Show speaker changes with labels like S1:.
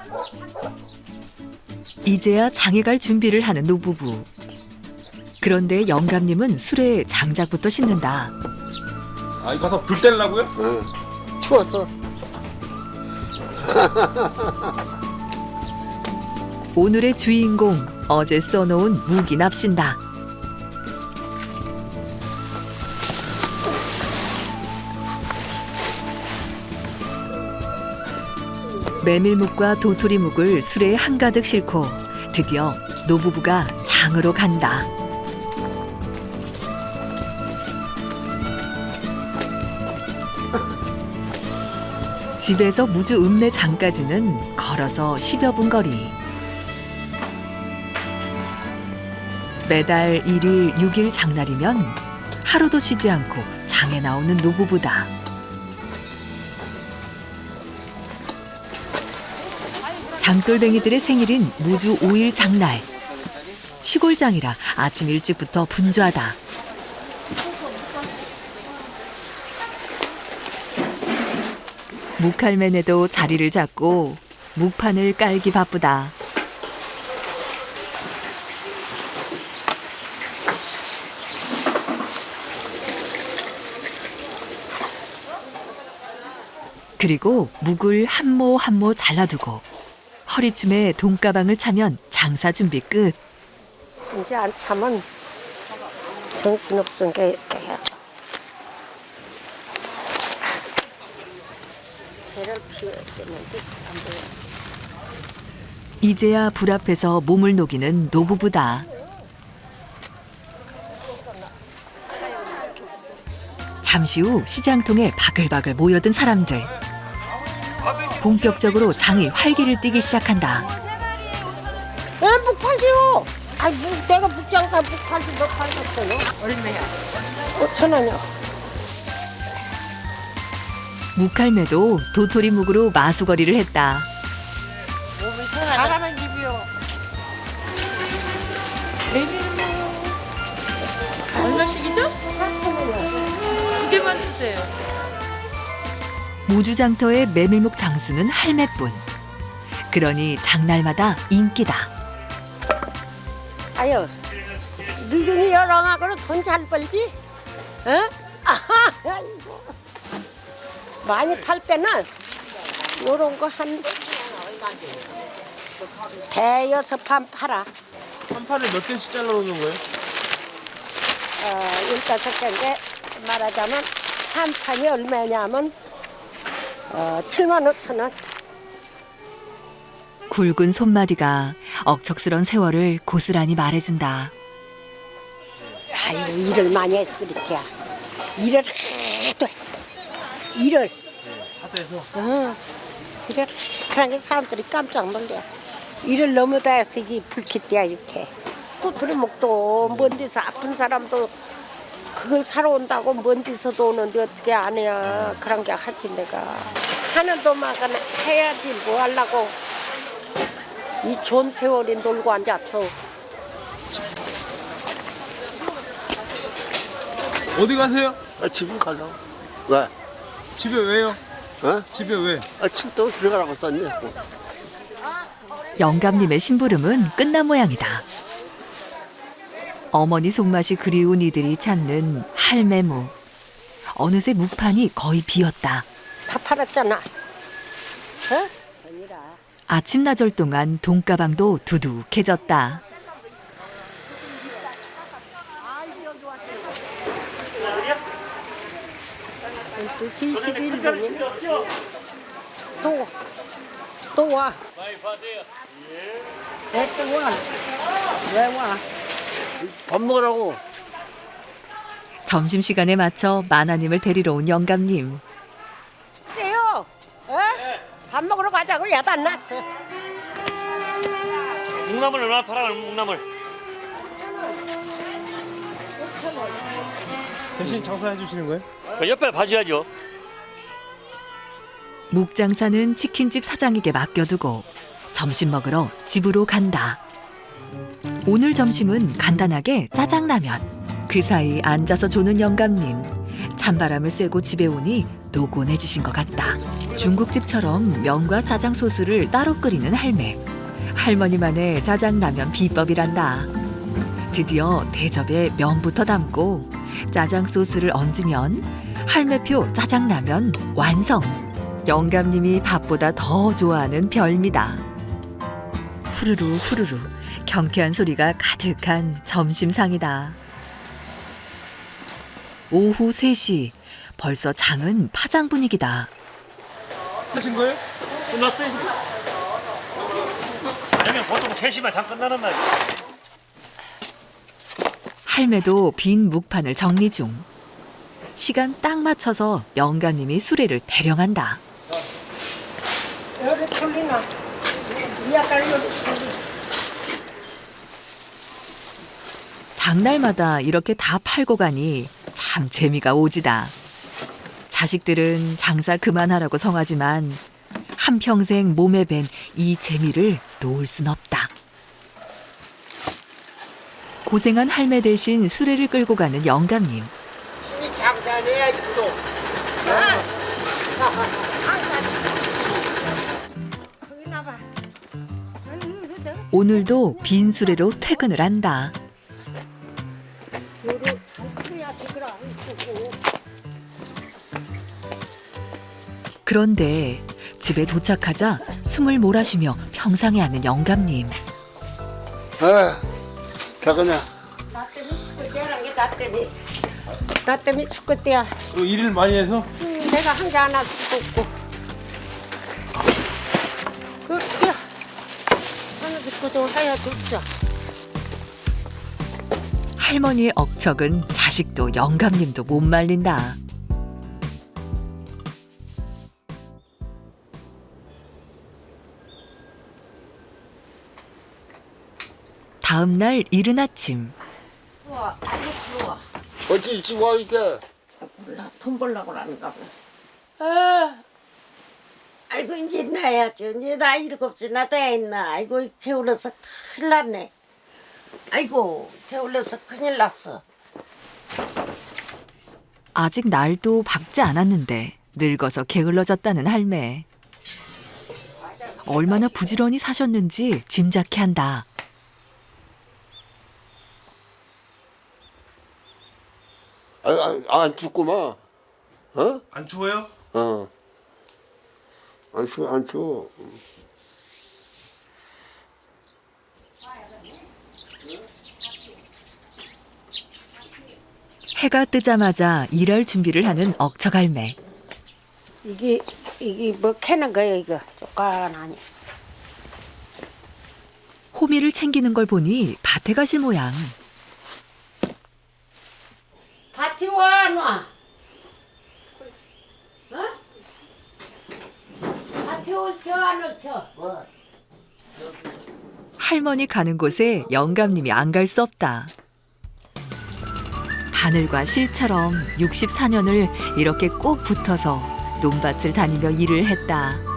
S1: 이제야 장에 갈 준비를 하는 노부부. 그런데 영감님은 술에 장작부터 씻는다.
S2: 아, 이거 가서 불 떼려고요?
S3: 응. 추워서.
S1: 오늘의 주인공, 어제 써놓은 무기 납신다. 메밀묵과 도토리묵을 수레에 한가득 싣고 드디어 노부부가 장으로 간다. 집에서 무주 읍내 장까지는 걸어서 10여 분 거리. 매달 1일, 6일 장날이면 하루도 쉬지 않고 장에 나오는 노부부다. 장돌뱅이들의 생일인 무주 5일 장날. 시골장이라 아침 일찍부터 분주하다. 묵할맨에도 자리를 잡고 묵판을 깔기 바쁘다. 그리고 묵을 한 모 한 모 잘라두고 허리춤에 돈가방을 차면 장사 준비 끝.
S4: 이제 안 차면 정신없은 게 해야. 새를 피워야 되는지 안 돼요.
S1: 이제야 불 앞에서 몸을 녹이는 노부부다. 잠시 후 시장통에 바글바글 모여든 사람들. 본격적으로 장이 활기를 띠기 시작한다.
S4: 왜 묵팔지요? 아니 내가 묵장사 묵팔지 몇 팔겠어요? 얼마야? 5,000원이요.
S1: 묵할매도 도토리 묵으로 마수거리를 했다.
S4: 가라만 집이요.
S5: 얼마씩이죠?
S4: 4,000원이요.
S5: 2개만 주세요.
S1: 무주장터의 메밀묵 장수는 할매뿐. 그러니 장날마다 인기다.
S4: 아유, 늙은이 여랑하고는 돈 잘 벌지? 응? 아이고. 많이 팔 때는 요런 거 한 대여섯 판 팔아.
S2: 한 판을 몇 개씩 잘라놓는 거예요?
S4: 15개인데 말하자면 한 판이 얼마냐면 75,000원.
S1: 굵은 손마디가 억척스런 세월을 고스란히 말해준다.
S4: 아이고 일을 많이 해서 그렇게. 일을 하도 했어. 일을.
S2: 하도 해서?
S4: 응. 일을 하는 게 사람들이 깜짝 놀래. 일을 너무 다 해서 이게 불쾌띠야 이렇게. 도토리묵도 먼 데서 아픈 사람도 그걸 사러 온다고 먼 데서도 오는데 어떻게 안 해야. 그런 게 하지 내가. 하는 도마가 해야지 뭐 하려고. 이 좋은 세월이 놀고 앉았어.
S2: 어디 가세요?
S3: 집을 가려고. 왜?
S2: 집에 왜요?
S3: 어?
S2: 집에 왜?
S3: 춥다고 들어가라고 썼네.
S1: 영감님의 심부름은 끝난 모양이다. 어머니 손맛이 그리운 이들이 찾는 할매무. 어느새 묵판이 거의 비었다.
S4: 다 팔았잖아. 어? 아니라.
S1: 아침나절 동안 돈가방도 두둑해졌다.
S4: 벌써 21분이네. 또 와. 왜 또 와? 왜 와?
S3: 밥 먹으라고.
S1: 점심시간에 맞춰 마나님을 데리러 온 영감님.
S4: 세요. 어? 밥 먹으러 가자고 야단 안 났어.
S6: 묵나물 얼마나 팔아? 묵나물.
S2: 대신 장사해 주시는 거예요?
S6: 옆에 봐줘야죠.
S1: 묵장사는 치킨집 사장에게 맡겨두고 점심 먹으러 집으로 간다. 오늘 점심은 간단하게 짜장라면. 그 사이 앉아서 조는 영감님. 찬바람을 쐬고 집에 오니 노곤해지신 것 같다. 중국집처럼 면과 짜장 소스를 따로 끓이는 할매. 할머니만의 짜장라면 비법이란다. 드디어 대접에 면부터 담고 짜장 소스를 얹으면 할매표 짜장라면 완성. 영감님이 밥보다 더 좋아하는 별미다. 후루루 후루루 경쾌한 소리가 가득한 점심상이다. 오후 3시 벌써 장은 파장 분위기다.
S2: 하신 거예요?
S6: 끝났어요. 아니면 보통 3시만 장 끝나는 날.
S1: 할매도 빈 묵판을 정리 중. 시간 딱 맞춰서 영감님이 수레를 대령한다.
S4: 요리 돌리나? 이야갈 요리 돌리.
S1: 장날마다 이렇게 다 팔고 가니 참 재미가 오지다. 자식들은 장사 그만하라고 성하지만 한평생 몸에 밴 이 재미를 놓을 순 없다. 고생한 할매 대신 수레를 끌고 가는 영감님.
S3: 이 장사해야지 또.
S4: 거기 나봐.
S1: 오늘도 빈 수레로 퇴근을 한다.
S4: 요리 잘 끓여야지 그럼 이쁘고.
S1: 그런데 집에 도착하자 숨을 몰아쉬며 평상에 앉는 영감님.
S3: 퇴근해.
S4: 나 때문에 축구대라는 게 나 때문에. 나 때문에 축구대야.
S2: 일을 많이 해서
S4: 내가 한 게 하나 죽었고. 그 어떻게 하나 죽고도 해야 좋죠.
S1: 할머니의 억척은 자식도 영감님도 못 말린다. 다음 날 이른 아침.
S4: 우와, 아이고 부러워.
S3: 어찌 일찍 와 이게?
S4: 몰라, 돈 벌려고 하는가 봐. 아이고 이제 나야죠. 이제 나 7나 돼 있나. 아이고 게을러서 큰일 났네. 아이고 게을러서 큰일 났어.
S1: 아직 날도 밝지 않았는데 늙어서 게을러졌다는 할매. 얼마나 부지런히 사셨는지 짐작케 한다.
S3: 안 춥구만. 어?
S2: 안 추워요?
S3: 안 추워, 안 추워.
S1: 해가 뜨자마자 일할 준비를 하는 억척 할매.
S4: 이게 뭐 캐는 거예요 이거 쪼깐하니.
S1: 호미를 챙기는 걸 보니 밭에 가실 모양.
S4: 밭이 와 놔. 어? 밭이 올쳐 안 올쳐?
S1: 할머니 가는 곳에 영감님이 안 갈 수 없다. 바늘과 실처럼 64년을 이렇게 꼭 붙어서 논밭을 다니며 일을 했다.